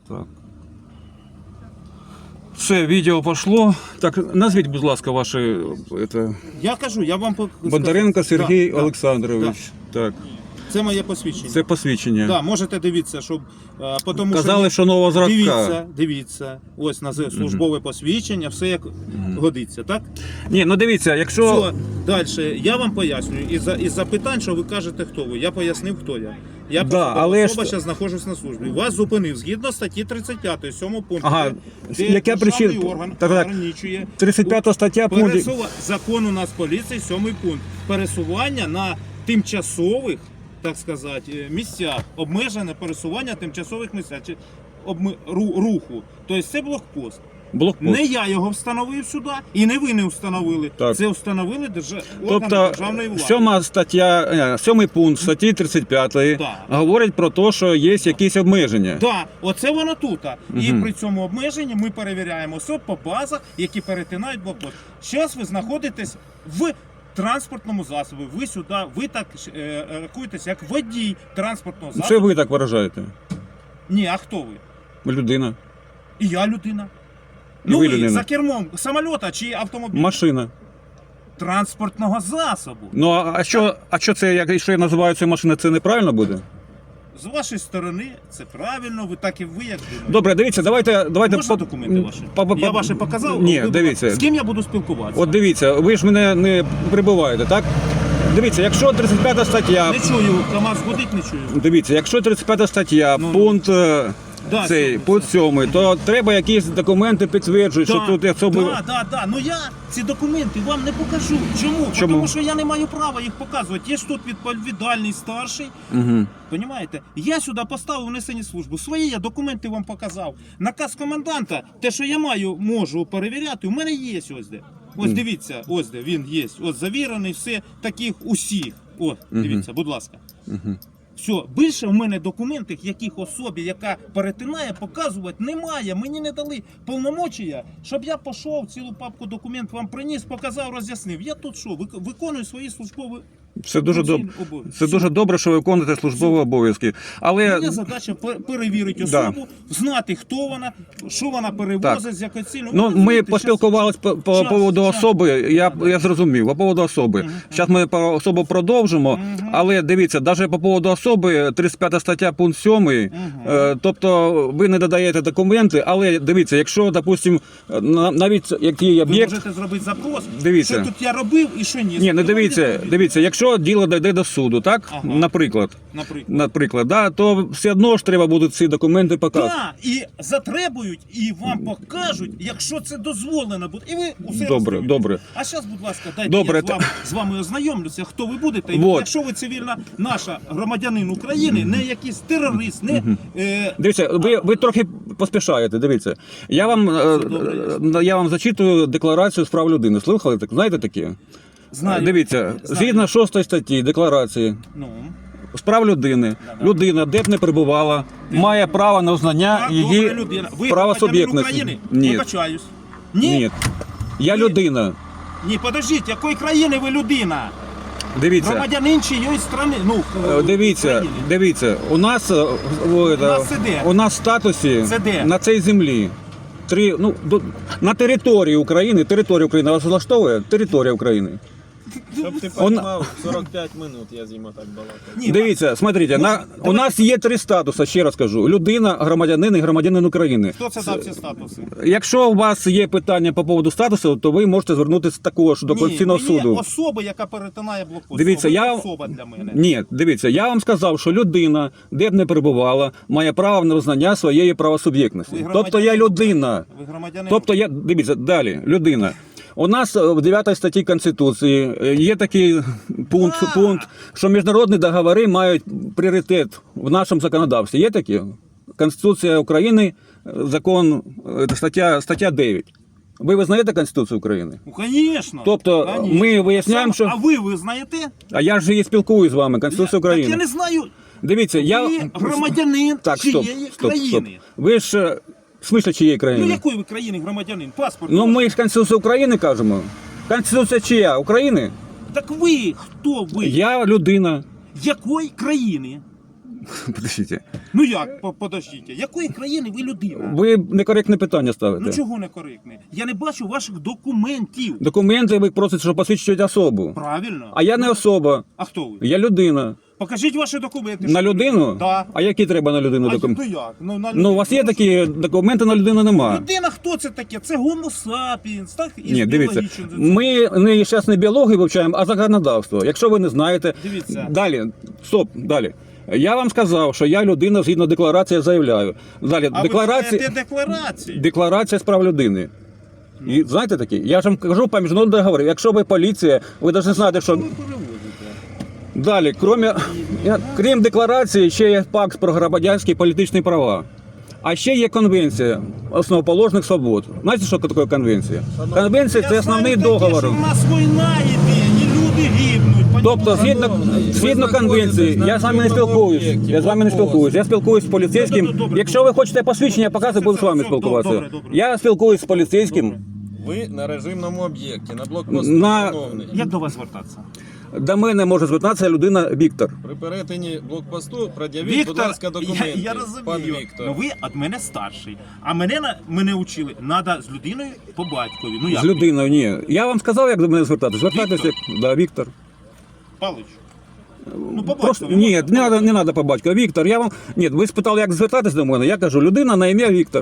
Так. Все, відео пішло. Так, назвіть, будь ласка, ваші... Это... Я кажу, я вам Бондаренко Сергій Да, Олександрович. Так. Це моє посвідчення. Це посвідчення. Да, можете дивитися, щоб тому Казали, що нового зразка. Дивіться, ось на службове посвідчення, все як годиться, так? Ні, ну дивіться, якщо... Все, далі, я вам пояснюю, із запитань, що ви кажете, хто ви, я пояснив, хто я. Я але особа, зараз знаходжусь на службі. Вас зупинив згідно статті 35, 7 пункту, Ага, де яка державний причина? орган Так, ограничує 35 стаття пункт... закон у нас поліції, 7 пункт. Пересування на тимчасових, так сказати, місцях, обмежене пересування тимчасових місцях, чи руху. Тобто це блокпост. Не я його встановив сюди, і не ви не встановили. Так. Це встановили органи Тобто, державної влади. 7 пункт статті 35 Да. говорить про те, що є якісь обмеження. Так, да, оце воно тут. І при цьому обмеженні ми перевіряємо особ по базах, які перетинають блокпост. Зараз ви знаходитесь в транспортному засобі. Ви сюди, ви так рахуєтесь як водій транспортного засобу. Це ви так виражаєте? Ні, а хто ви? Людина. І я людина. І Ну ви ви людина. за кермом самольота чи автомобіля? Машина. Транспортного засобу. Ну, а що це, якщо я називаю цю машину, це неправильно буде? З вашої сторони це правильно, ви так і ви як думаєте. Добре, дивіться, давайте... Можна документи ваші? Я ваші показав? Ні, дивіться. З ким я буду спілкуватися? От дивіться, ви ж мене не прибуваєте, так? Дивіться, якщо 35 стаття... Не чую, КамАЗ гудить, не чую. Дивіться, якщо 35 стаття, пункт... Да, цей пункт 7, то треба якісь документи підтверджують, що тут особи... Да. Ну я ці документи вам не покажу. Чому? Тому що я не маю права їх показувати. Є ж тут відповідальний старший. Угу. Понімаєте? Я сюди поставив несені службу. Свої я документи вам показав. Наказ коменданта, те, що я можу перевіряти, у мене є ось де. Ось дивіться, ось де він є. Ось завірений, все таких усіх. Ось, дивіться, будь ласка. Все, більше в мене документів, яких особі, яка перетинає, показувати немає. Мені не дали повномочія, щоб я пішов, цілу папку документів вам приніс, показав, роз'яснив. Я тут що, виконую свої службові Це дуже добре. Це дуже добре, що ви виконуєте службові обов'язки. Але моя задача перевірити особу, знати, хто вона, що вона перевозить, з якою цілею. Ну, ми поспілкувалися по поводу особи, я зрозумів, по поводу особи. Зараз ми про особу продовжимо, але дивіться, навіть по поводу особи, 35 стаття, пункт 7, тобто ви не додаєте документи, але дивіться, якщо, допустимо, навіть який об'єкт... Ви можете зробити запрос, дивіться. що тут я робив і що ні. Ні, не дивіться, якщо діло дійде до суду, так, наприклад, да, то все одно ж треба будуть ці документи показати. Так, і затребують, і вам покажуть, якщо це дозволено буде. І ви усе Добре. А зараз, будь ласка, дайте я з вами ознайомлюся, хто ви будете. І якщо ви цивільна наша громадянин України, не якийсь терорист, не... Дивіться, ви трохи поспішаєте, дивіться. Я вам зачитую декларацію з прав людини. Слухали? Знаєте такі? Знаю. Дивіться, згідно 6 статті декларації з прав людини, людина, де б не перебувала, має право на узнання її правосуб'єктності. Ні. Вибачаюсь. Ні. Я людина. Ні, подождіть, якої країни ви людина? Дивіться. Громадянин чиєї країни? Дивіться, у нас в статусі на цій землі на території України вас влаштовує? Територія України. Щоб ти розумів, 45 минут я з ним так балакав. Дивіться, смотрите, у нас є 3 статуси, ще раз кажу. Людина, громадянин і громадянин України. Хто це дав ці статуси? Якщо у вас є питання по поводу статусу, то ви можете звернутися також до Конституційного суду. Ні, особа, яка перетинає блокпост. Дивіться, особа для мене. Ні, дивіться, я вам сказав, що людина, де б не перебувала, має право на визнання своєї правосуб'єктності. Тобто я людина. Ви громадянин. Тобто дивіться, далі, людина. У нас в 9 статті Конституції є такий пункт, що міжнародні договори мають пріоритет в нашому законодавстві. Є такі? Конституція України, закон, стаття 9. Ви визнаєте Конституцію України? Ну, звісно. Тобто ми виясняємо, що... А ви визнаєте? А я ж і спілкуюсь з вами, Конституція України. Так я не знаю. Дивіться, ви громадянин чиєї країни. Ви ж... В смислі чиєї країни? Ну якої ви країни громадянин? Паспорт? Ну ми ж Конституцію України кажемо. Конституція чия? України? Так ви, хто ви? Я людина. Якої країни? Подождите. Ну як, подождіть, якої країни ви людина? Ви некоректне питання ставите. Ну чого не коректне? Я не бачу ваших документів. Документи ви просите, щоб посвідчують особу. Правильно. А я не особа, А хто ви? я людина. Покажіть ваші документи. На що ви- людину? Да. А які треба на людину А документи? то як? Ну, на Ну, у вас є людину. такі документи, на людину немає. Людина хто це таке? Це гомо сапіенс, так? Із Ні, дивіться, біологічним- ми зараз не біологію вивчаємо, а законодавство. Якщо ви не знаєте, Дивіться. далі, стоп, далі. Я вам сказав, що я людина згідно декларації заявляю. Далі, А декларація, ви декларації? декларація з прав людини. І знаєте такі? Я ж вам кажу по міжнародному договору. Якщо ви поліція, ви повинні знати, що Ви перевозите. далі, крім декларації, ще є пакт про громадянські і політичні права. А ще є конвенція основоположних свобод. Знаєте, що таке конвенція? Конвенція це Я основний знаю таке, договор. що в нас війна йде, і люди гибнуть. Тобто, понімаєте? згідно конвенції, я з вами не спілкуюсь. Я з вами не спілкуюсь. Я спілкуюсь з поліцейським. Добре. Якщо ви хочете посвідчення, я показую, буду з вами Все, спілкуватися. добре. Я спілкуюсь з поліцейським. Ви на режимному об'єкті, на блокпосту На- встановлений. Як до вас звертатися? До мене може звертатися людина Віктор. При перетині блокпосту пред'явіть, будь Віктор, ласка, документи. я Пан розумію, Віктор. ну ви від мене старший, а мене учили, треба з людиною по батькові. Ну як? З людиною, ні. Я вам сказав, як до мене звертатися. Звертайтеся, да, Віктор. Палич. Ну, по Просто батькові. ні, не треба по батьку. Віктор, я вам. Ні, ви спитали, як звертатись до мене. Я кажу, людина на ім'я Віктор.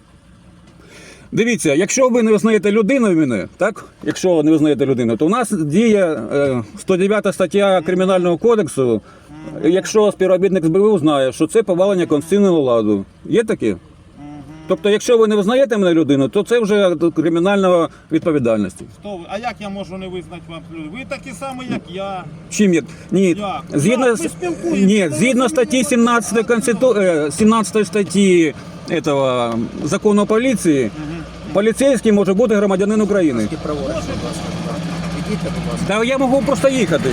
Дивіться, якщо ви не визнаєте людину мене, так? Якщо ви не визнаєте людину, то у нас діє 109 стаття Кримінального кодексу. Якщо співробітник СБУ знає, що це повалення конституційного ладу. Є таке? Тобто, якщо ви не визнаєте мене людину, то це вже кримінальна відповідальність. Хто ви? А як я можу не визнати вам люди? Ви такі самі, як я. Чим як? Ні, Як? згідно, Як? Ви спілкуєтесь, ні, ви згідно статті 17 17 статті этого закону о поліції, поліцейський може бути громадянин України. Праворуч, будь ласка. Ідіть, будь ласка. Та я можу просто їхати.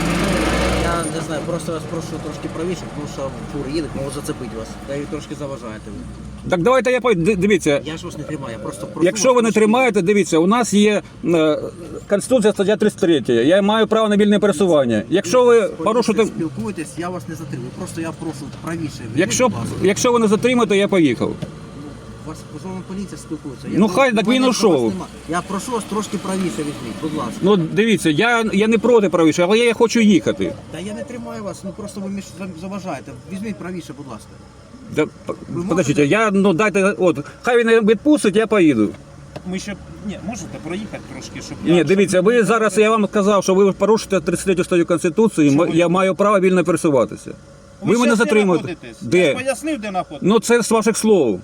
Я не знаю, просто вас прошу трошки правіше, тому що фур їде, можу зацепити вас. Та ви трошки заважаєте. Так давайте я дивіться. Я ж вас не тримаю, я просто прошу Якщо вас ви не трошки- тримаєте, дивіться, у нас є Конституція стаття 33. Я маю право на вільне пересування. Якщо ви порушите, Спілкуєтесь, я вас не затримую. Просто я прошу правіше. Візьміть, будь ласка. якщо ви не затримаєте, я поїхав. У вас з вами поліція спілкується. Ну, хай, так у мене він до ушов. вас нема. Я прошу вас трошки правіше візьміть, будь ласка. Ну дивіться, я не проти правіше, але я хочу їхати. Та я не тримаю вас, ну просто ви заважаєте. Візьміть правіше, будь ласка. Да, подождите, дайте, хай він відпустить, я поїду. Ми ще можете проїхати трошки, щоб Ні, дивіться, ви зараз, я вам сказав, що ви порушите 33 статтю Конституції, Чого? я маю право вільно пересуватися. Ви мене щас де затримуєте. знаходитесь? Де? Я ж пояснив, де знаходитесь. Ну це з ваших слов.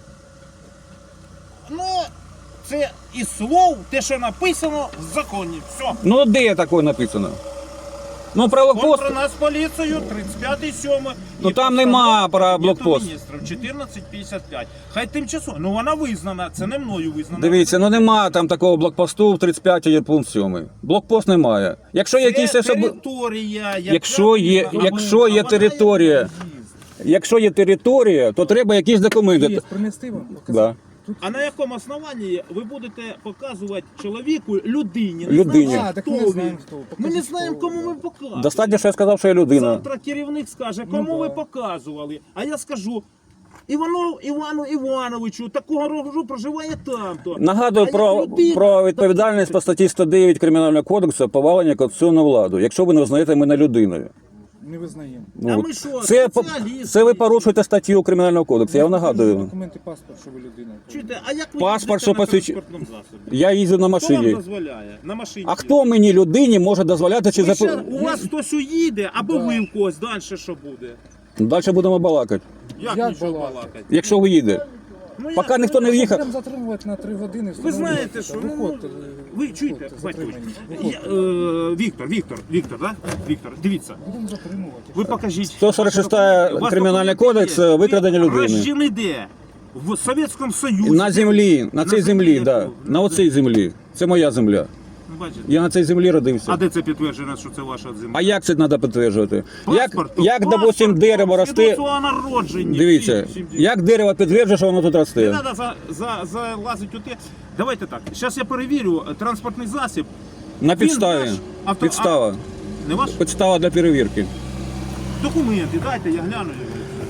Ну, це із слов, те, що написано в законі. Все. Ну де таке написано? Ну про блокпост. Про нас поліцію 35-7. Ну, там нема про блокпост. 1455. Хай тимчасово. Ну вона визнана, це не мною визнана. Дивіться, ну нема там такого блокпосту в 35 є пункт 7. Блокпост немає. Якщо є якісь територія, яка Якщо є- визнана. якщо є А вона територія, є в'їзд. Якщо є територія, то треба якісь документи. Є, принести вам? Да. А на якому основанні ви будете показувати чоловіку, людині? Людині. знаємо, А, так хто ми не він. знаємо, хто. Ми Покажіть, не знаємо, хто кому ви. ми показуємо. Достатньо, що я сказав, що я людина. Завтра керівник скаже, кому ви показували. А я скажу, Івану Івановичу, такого роду проживає там-то. Нагадую А як про, людина- про відповідальність по статті 109 Кримінального кодексу повалення конституційної влади, якщо ви не визнаєте мене людиною. Не визнаємо. А От. ми що, Це спеціалісти? ви порушуєте статтю Кримінального кодексу, я вам нагадую. Документи, паспорт, що ви людина. Чуєте, а як ви Паспорт, їздите що на посвідчує- транспортному засобі? Я їздю на Хто вам машині. дозволяє? На машині. А хто мені людині може дозволяти чи Ви ще- запитати? у вас хтось уїде, або ви в когось, далі що буде? Далі будемо балакати, Як Як нічого балакати? балакати? якщо ви їде. Ну, як Поки ніхто не ви- в'їхав. Будемо затримувати на 3 години. Ви знаєте, що Виходьте, ви чуєте, виходьте, Батькович, затримані. Віктор, да? Віктор, дивіться, Будемо затримувати. ви покажіть. 146 У вас Кримінальний документи кодекс є? викрадення Ви людини. рождені де? В Совєтському Союзі. На землі, на цій землі, да. На оцій землі. Це моя земля. Ну, бачите. Я на цій землі родився. А де це підтверджено, що це ваша земля? А як це треба підтверджувати? Паспорт, Як допустим, дерево росте. свідоцтво о народженні. Дивіться, Всім- як дерево підтверджує, що воно тут Не росте. треба залазити у те. Давайте так. Зараз я перевірю транспортний засіб. На підставі. ваш Підстава. Не ваш? Підстава для перевірки. Документи, дайте, я гляну його.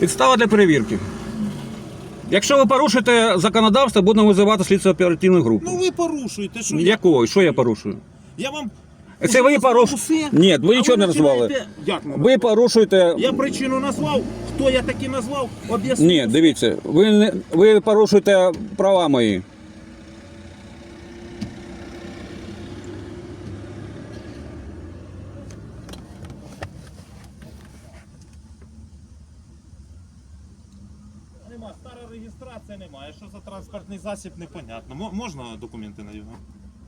Підстава для перевірки. Якщо ви порушите законодавство, будемо визивати слідчо оперативну групу. Ну ви порушуєте, що Якого? Що я порушую? я вам... Це ви назвав порушуєте? усе, Ні, ви а нічого не починаєте- назвали. Як не Ви порушуєте. Я причину назвав, хто я таки назвав, об'яснив. Ні, дивіться, ви порушуєте права мої. Нема, стара реєстрація немає. Що за транспортний засіб, непонятно. Можна документи на його?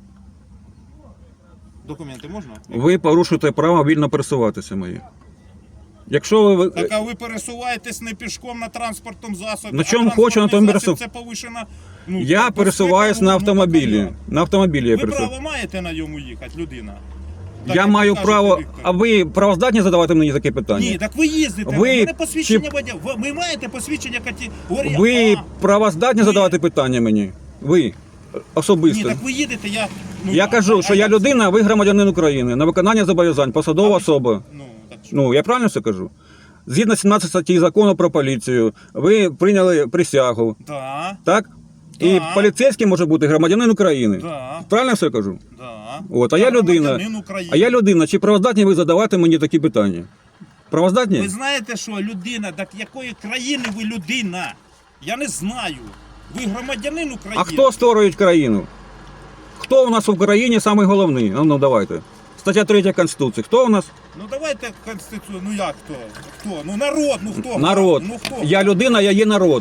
Документи можна? Ви порушуєте право вільно пересуватися мої. Якщо ви. Так, а ви пересуваєтесь не пішком на транспортному засобі. На а чому хочу, на тому транспортний засіб пересу- це повишена... Ну, Я безпека пересуваюсь на руху автомобілі. батальйону. На автомобілі я Ви пересуваюсь. право маєте на ньому їхати, людина? Так, Я як маю ви кажете, право. Віктор. А ви правоздатні задавати мені таке питання? Ні, так ви їздите. Ви Ви... У мене посвідчення чи- водія. Ви маєте посвідчення категорії Ви А. правоздатні Ні. задавати питання мені? Ви Ні, особисто. так ви їдете, я... Ну, Я кажу, що я як людина, а ви громадянин України. На виконання зобов'язань, посадова особа. Ну, так що? Ну, я правильно все кажу? Згідно 17 статті закону про поліцію, ви прийняли присягу, Да, так? І Так. поліцейський може бути громадянин України. да, Правильно все кажу? да. От, а я людина. громадянин України. А я людина, чи правоздатні ви задавати мені такі питання? Правоздатні? Ви знаєте, що людина, так якої країни ви людина? Я не знаю. Ви громадянин України. А хто створює країну? Хто у нас в Україні самий головний? Ну давайте. Стаття 3 Конституції. Хто у нас? Ну давайте Конституцію, ну як хто? Хто? Ну народ, ну хто? Народ. Ну хто? Я людина, я є народ.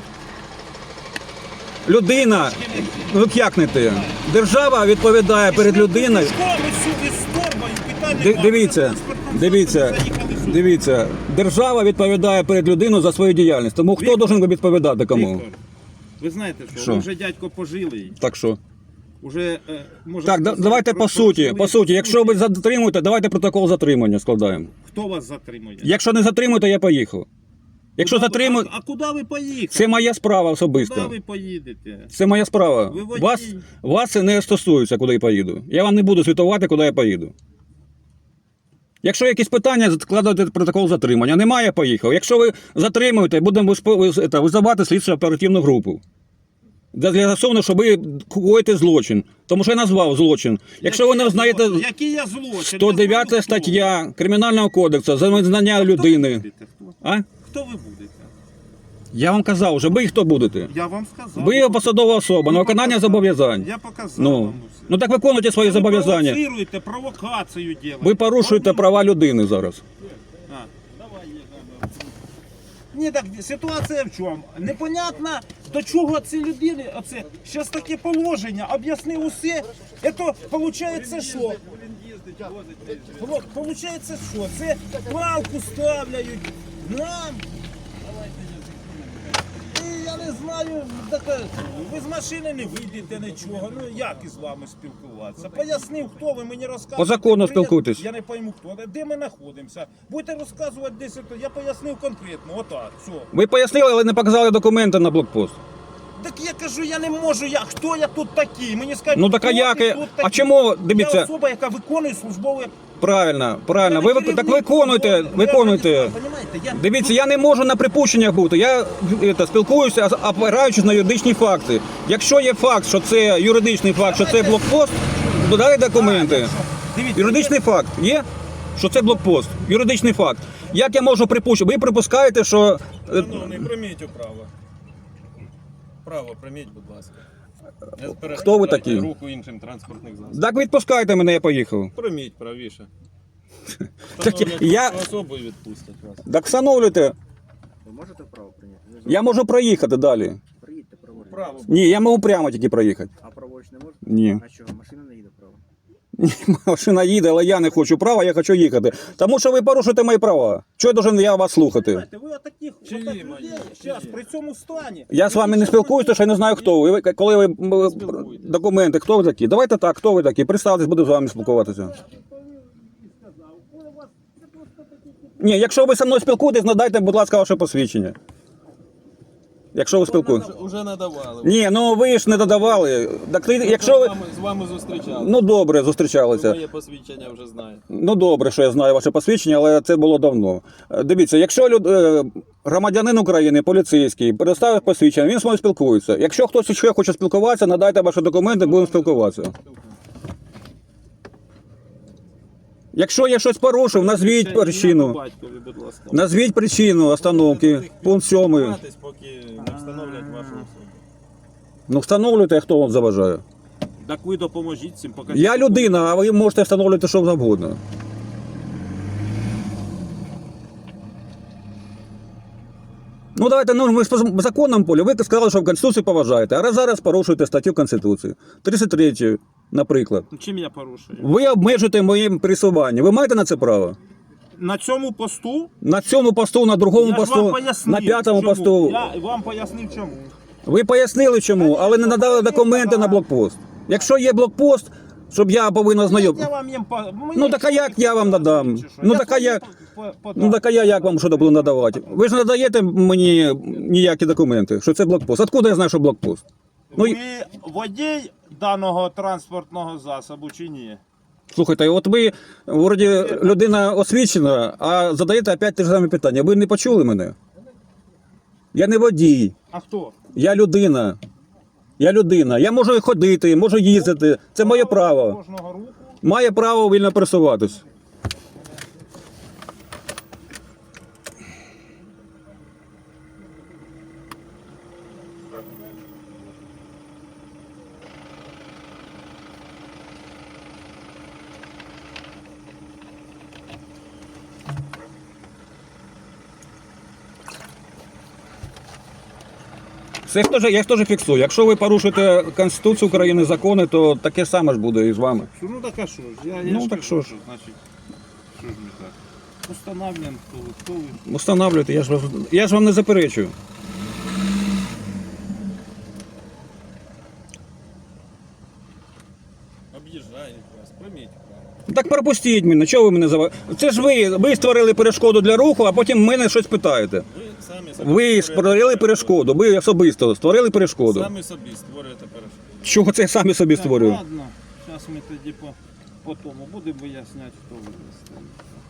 Людина, ну як не ти? Держава відповідає перед людиною. Дивіться, держава відповідає перед людиною за свою діяльність. Тому хто Віктор, должен відповідати кому? Віктор, ви знаєте, що, Що? ви вже дядько пожилий. Так що? Уже, може Так, сказати, давайте по суті. прожили, По суті, якщо ви затримуєте, давайте протокол затримання складаємо. Хто вас затримує? Якщо не затримуєте, я поїхав. Якщо Куди ви- затримуєте, А куди ви поїхали? це моя справа Куди особиста. ви поїдете? Це моя справа. Ви водій. Вас це не стосується, куди я поїду. Я вам не буду звітувати, куди я поїду. Якщо якісь питання, складайте протокол затримання. Немає, поїхав. Якщо ви затримуєте, будемо визивати слідчо оперативну групу. Для з'ясовано, що ви коїте злочин. Тому що я назвав злочин. Якщо ви не знаєте Який я злочин? 109 Я знаю, хто. стаття Кримінального кодексу за незнання Хто ви людини. будете? Хто? А? Хто ви будете? Я вам казав, вже ви хто будете? Я вам сказав. Ви посадова особа на виконання зобов'язань. Я показав Ну, вам усе. ну так виконуйте свої Ви зобов'язання. провоцируєте, провокацію робите. Ви порушуєте права людини зараз. А, давай, їдемо. Ні, так ситуація в чому? Непонятно, до чого ці людини, оце, зараз таке положення, об'яснив усе, це виходить що? Получається що? Це палку ставляють нам. І я не знаю, так, ви з машини не вийдете нічого, ну як із вами спілкуватися? Пояснив, хто ви мені розказуєте. По закону Привіт, спілкуйтесь. Я не пойму хто, де ми знаходимося. Будете розказувати десь, я пояснив конкретно, отак, все. Ви пояснили, але не показали документи на блокпост. Так я кажу, я не можу, хто я тут такий? Мені скажуть, Ну так а хто як? ти тут А такий? чому, Я дивіться, особа, яка виконує службове... правильно. Я Ви керівник так виконуйте, службове. виконуйте. Понімаєте? Я Дивіться, я не можу на припущеннях бути. Я спілкуюся, опираючись на юридичні факти. Якщо є факт, що це юридичний факт, що це блокпост, додай документи. Дивіться, Юридичний факт є, що це блокпост. Юридичний факт. Як я можу припущити? Ви припускаєте, що Шановний, прийміть право. Право прийміть, будь ласка. Не Хто ви перешкоджайте такі? руху іншим транспортних засобів. так відпускайте мене, я поїхав. Прийміть правіше. Так я- Особою відпустять вас. Так встановлюйте. Ви можете вправо прийняти? Я можу проїхати далі. Приїдьте праворуч. Право. Ні, я можу прямо тільки проїхати. А праворуч не можете? Ні. А чого? Машина не їде право. Машина їде, але я не хочу права, я хочу їхати. Тому що ви порушуєте мої права. Чого я должен вас слухати? Знаєте, ви отаких Чиї людей мої? зараз Чиї? при цьому стані. Я з вами не спілкуюся, тому що я не знаю, хто ви. Коли ви документи, хто ви такі? Давайте так, хто ви такі? Представтесь, буду з вами спілкуватися. Ні, якщо ви зі мною спілкуєтесь, надайте, будь ласка, ваше посвідчення. Якщо ви спілкуєтесь. Уже надавали. Ні, ну ви ж не додавали. Так, якщо ви... З вами зустрічали. Ну добре, зустрічалися. Моє посвідчення вже знаєте. Ну добре, що я знаю ваше посвідчення, але це було давно. Дивіться, якщо громадянин України, поліцейський, предоставив посвідчення, він з мною спілкується. Якщо хтось ще хоче спілкуватися, надайте ваші документи, будемо спілкуватися. Якщо я щось порушив, назвіть причину. Батькові, будь ласка. Назвіть причину остановки. Пункт 7. Поки не встановлять вашу особу. Ну встановлюйте, хто вам заважає. Так ви допоможіть цим, покажіть. Я людина, а ви можете встановлювати що завгодно. Ну давайте, ну ми ж по законному полі. Ви сказали, що в Конституції поважаєте, а зараз порушуєте статтю Конституції. 33, наприклад. Чим я порушую? Ви обмежуєте моє пересування. Ви маєте на це право? На цьому посту? На цьому посту, на другому Я ж вам посту, пояснив, на п'ятому чому. посту. Я вам пояснив чому. Ви пояснили чому, але не надали документи на блокпост. Якщо є блокпост, щоб я повинен Я знайомити. вам їм Ну так а як я вам надам? Ну так а я як? Ну так а я як вам що буду надавати? Ви ж не надаєте мені ніякі документи, що це блокпост. Откуда я знаю, що блокпост? Ну, Ви водій даного транспортного засобу чи ні? слухайте, от ви, вроді, людина освічена, а задаєте опять те ж саме питання. Ви не почули мене? Я не водій, А хто? я людина. Я людина. Я можу ходити, можу їздити. Це моє право. Кожного руху. Має право вільно пересуватись. Це я теж фіксую. Якщо ви порушуєте Конституцію України, закони, то таке саме ж буде і з вами. Ну так а що ж? Я Ну, ж так кажу, що ж. Значить, що ж не так? Установлюємо, хто ви. Встановлюйте, я ж вам не заперечую. Об'їжджають вас, прийміть право. Так пропустіть мене, чого ви мене заважаєте? Це ж ви створили перешкоду для руху, а потім мене щось питаєте. Ви самі собі Ви створили перешкоду, ви особисто створили перешкоду. Самі собі створюєте перешкоду. Чого це я самі собі Так, створюю? ладно, зараз ми тоді по тому будемо виясняти, хто ви є.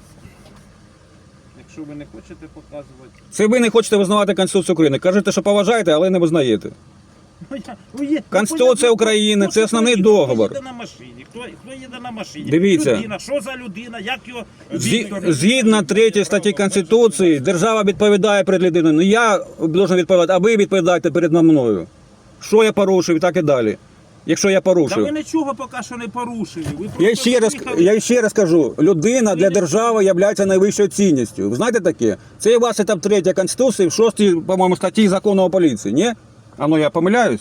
Якщо ви не хочете показувати. Це ви не хочете визнавати Конституцію України. Кажете, що поважаєте, але не визнаєте. Конституція України, це основний договор. Хто їде на машині? Хто їде на машині? Дивіться. Людина, що за людина? Як його Віктор? Згідно 3 статті Конституції, держава відповідає перед людиною. Не я должен відповідати, а ви відповідаєте перед мною. Що я порушив і так і далі. Якщо я Та ви порушив. нічого поки що не порушили. Ви Я ще раз кажу, людина для держави є найвищою цінністю. Ви знаєте таке? Це у вас етап 3 Конституції, в 6, по-моєму, статті Закону о поліції, ні? А ну я помиляюсь?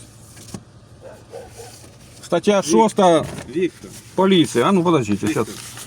Стаття 6 Віктор, поліція. А ну подождіть, зараз.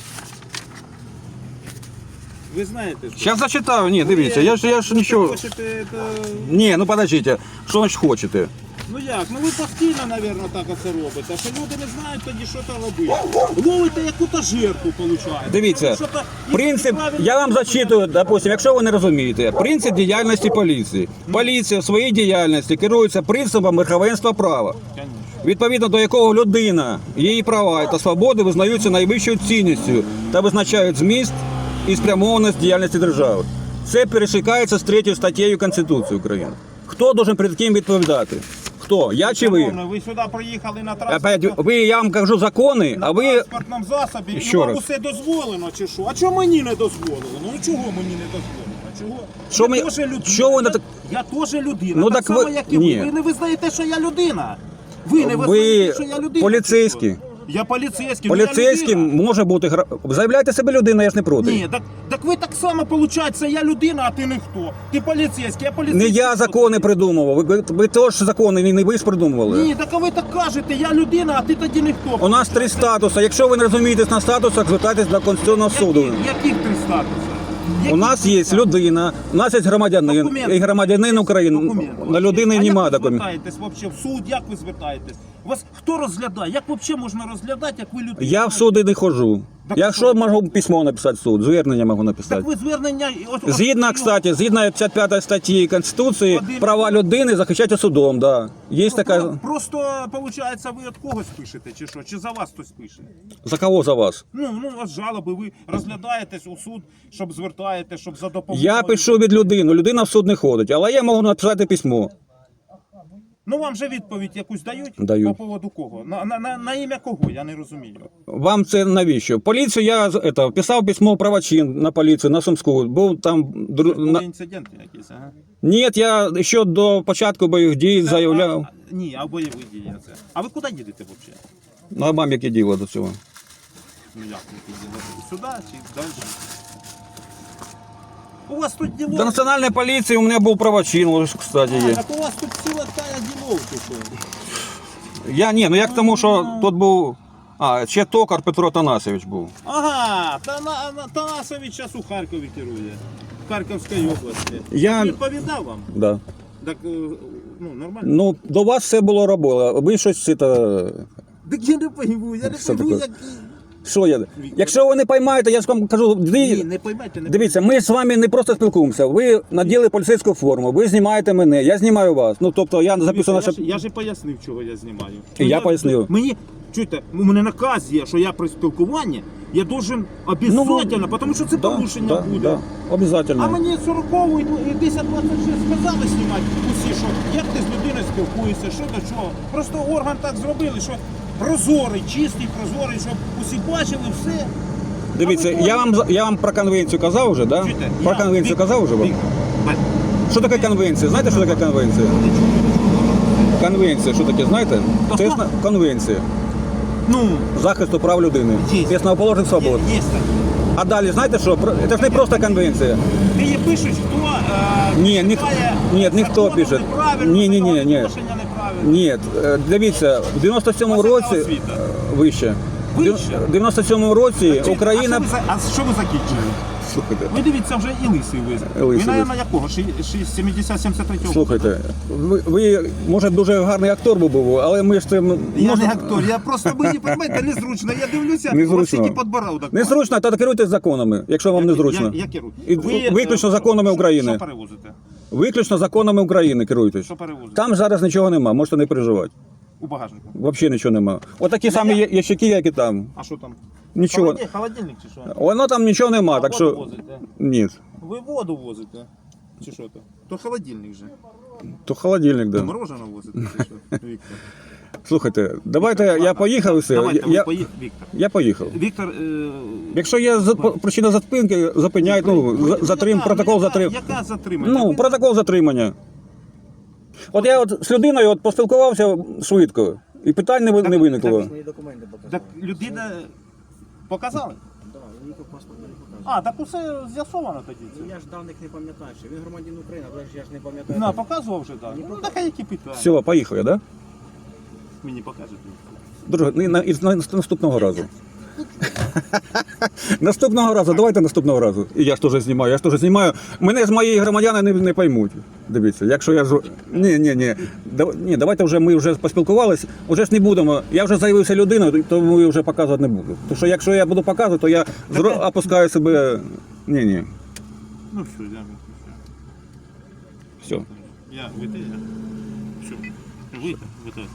ви знаєте, що Зараз зачитаю, ні, дивіться, я ж нічого. хочете, Ні, ну подождіть, що значить хочете? ну як, ну ви постійно, мабуть, так оце робите, що люди не знають тоді, що там робити. Ловите яку-то жертву, виходить. Дивіться, Що-то принцип, неправильно я вам робите. зачитую, допустим, якщо ви не розумієте, принцип діяльності поліції. Поліція в своїй діяльності керується принципом верховенства права, Конечно. відповідно до якого людина, її права та свободи визнаються найвищою цінністю та визначають зміст і спрямованість діяльності держави. Це пересікається з 3 статтею Конституції України. Хто должен перед ким відповідати? Хто? Я чи ви? Шановний, ви сюди приїхали на Опять, транспортному я вам кажу закони, а ви... транспортному засобі, і Ще вам раз. усе дозволено, чи що? А чого мені не дозволено? Ну чого мені не дозволено? Чого? Що Я ми- теж людина. чого ви не так- Я теж людина. Ну, так так само, ви- як і ні. ви. Ви не визнаєте, що я людина. Ви не Ви визнаєте, що я людина. поліцейський. чи що? Я поліцейський. ну, я Поліцейським людина. може бути... Заявляйте себе людина, я ж не проти. Ні, так ви так само, виходить, я людина, а ти ніхто. Ти поліцейський, я Не поліцейський. я закони придумував, ви теж закони, не ви ж придумували. Ні, так а ви так кажете, я людина, а ти тоді ніхто. У нас 3 статуси. Якщо ви не розумієтесь на статусах, звертайтесь до Конституційного суду. Яких 3 статуси? У нас є людина, у нас є громадянин Документи. і громадянин України. Документи. На людини А немає як ви документів. звертаєтесь вообще в суд? Як ви звертаєтесь? Вас хто розглядає? Як взагалі можна розглядати, як ви людина? Я в суди не ходжу. Так Я що? що можу письмо написати в суд, звернення можу написати. Так ви звернення... Згідно, кстати, згідно 55 статті Конституції, права людини захищаються судом, да. Є така... Просто, виходить, ви від когось пишете, чи що? Чи за вас хтось пише? За кого за вас? Ну, у вас жалоби, ви розглядаєтесь у суд, щоб звертаєте, щоб за допомогою. Я пишу від людини, людина в суд не ходить, але я можу написати письмо. Ну, вам же відповідь якусь дають? Дають. По поводу кого? На ім'я кого? Я не розумію. Вам це навіщо? Поліцію я писав письмо правочин на поліцію, на Сумську. Був там... Були інциденти якісь, ага. Ні, я ще до початку бойових дій заявляв. Ні, а бойові дії це. А ви куди їдете взагалі? Ну, а вам яке діло до цього? Ну як ви їдете? Сюди чи далі? У вас тут діло. До національної поліції у мене був правочин, ось, кстати, є. Так у вас тут ціла тая ділов, чи що? Я ні, ну як тому, що тут був. Ще токар Петро Танасович був. Ага, Танасович зараз у Харкові керує. В Харківській області. Я- Він відповідав вам? Да. Так, ну, нормально. Ну, до вас все було робило. Ви щось це. Так я не пойму, я не Що пойму, таке? як... Що я? Якщо ви не поймаєте, я ж вам кажу, Ні, не поймайте, не дивіться, ми з вами не просто спілкуємося. Ви наділи поліцейську форму, ви знімаєте мене, я знімаю вас. Ну, тобто я записую наше. Я ж і пояснив, чого я знімаю. І я пояснив. Мені, чуєте, у мене наказ є, що я при спілкуванні, я должен обов'язково, тому що це порушення буде. Да, обов'язково. А мені 40-го і 1026 сказали знімати усі, що як ти з людиною спілкуєшся, що до чого. Просто орган так зробили, що прозорий, чистий, прозорий, щоб усі бачили все. Дивіться, я вам про конвенцію казав вже, да? Чуєте, Про конвенцію казав вже вам? Бать, Що таке конвенція? Знаєте, що таке конвенція? Конвенція, що таке, знаєте? Та Це що? конвенція ну, захисту прав людини Є. основоположних свобод. є так. А далі, знаєте що? Це ж не просто конвенція. Ти її пишеш, хто Ні, ніхто законом пише. неправильно, Ні. відношення неправильно. Ні, дивіться, в 97-му Освіта, році освіта. вище. Вище? В 97-му році Україна. А що ви закінчили? Слухайте, Ви дивіться, вже і лисий ви. Лисий Ви, ви. мабуть, якого? 70-73 слухайте, ви, може, дуже гарний актор був, але ми ж це. Я не актор, я просто мені, розумієте, незручно. Я дивлюся, Незручно. у вас тільки підбородок. Незручно, то керуйтесь законами, якщо вам незручно. Я керую. І виключно законами України. Що перевозите? Виключно законами України керуйтесь. Що перевозите? Там зараз нічого нема, можете не переживати. У багажнику. Взагалі нічого нема. Отакі самі ящики, як і там. А що там? Нічого. Холодильник чи що? Воно там нічого нема, так воду що. возите? Ні. Ви воду возите? Чи що то? То холодильник же. То холодильник, То да. мороженое возите, чи що? Віктор. Слухайте, давайте я поїхав і все. Давайте, Я, ви поїхали, Віктор. я поїхав. Віктор, Якщо є причина затримки, зупиняють, протокол затримання. Яка затримання? Ну, Ви- протокол затримання. От я з людиною поспілкувався швидко, і питань не виникло. Мої документи показали. Так людина показали? Да, він ніяк паспорт не показує. А, так усе з'ясовано тоді. Ну, я ж даних не пам'ятаю, що він громадянин України, але ж я ж не пам'ятаю. На, показував вже так. Ну, так а які питання? Все, поїхав я, да? Мені покажете. Друже, наступного разу. Наступного разу, давайте наступного разу. І я ж теж знімаю, Мене з моєї громадяни не поймуть. Дивіться, якщо я ж. Ні, давайте вже ми вже поспілкувалися, вже ж не будемо. Я вже заявився людиною, тому я вже показувати не буду. Тому що якщо я буду показувати, то я опускаю себе. Ні. Ну все, я. Все. Я, ви те, я. Все. Ви те.